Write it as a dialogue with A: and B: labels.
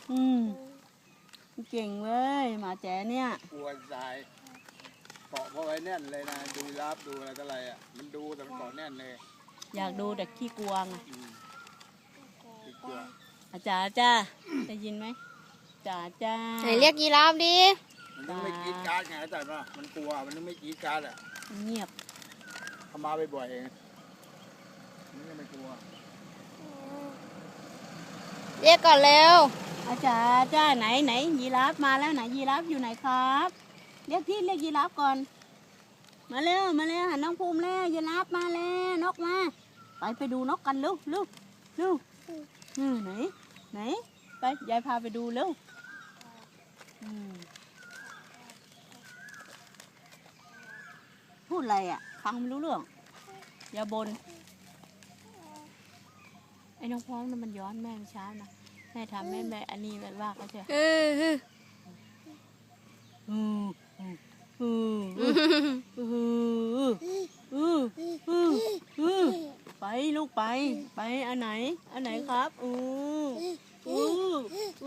A: เก่งเว้ยหมาแจ๋เนี่ย
B: กลัวตายเกาะเพราะไว้แน่นเลยนะดูรับดูอะไรต่ออะไรอ่ะมันดูแต่มันเกาะแน่นเลย
A: อยากดูแต่ขี้กลัวไง
B: กลัว
A: อาจารย์จ้าได้ยินไหมจ๋าจ้า
C: ไหนเรียกยีราฟดิ
B: มันนึกไม่กรีดการ์ดไงแต่ว่ามันกลัวมันนึกไม่กรีดการ์ดอ่ะ
A: เงียบ
B: ทำมาบ่อยๆเองมันก็ไม่กลัว
C: เรียกก่อนเร็ว
A: อาจารย์จ้าไหนยีราฟมาแล้วไหนยีราฟอยู่ไหนครับเรียกยีราฟก่อนมาเร็วหันน้องภูมิแล้วยีราฟมาแล้วนกมาไปดูนกกันเร็วไหนไปยายพาไปดูเร็วพูดอะไรอ่ะฟังไม่รู้เรื่องอย่าบ่นไอ้น้องพร้อมน่ะมันย้อนแม่เช้านะแม่ทำแม่อันนี้แบบว่าเขาจะไปลูกไปอันไหนครับ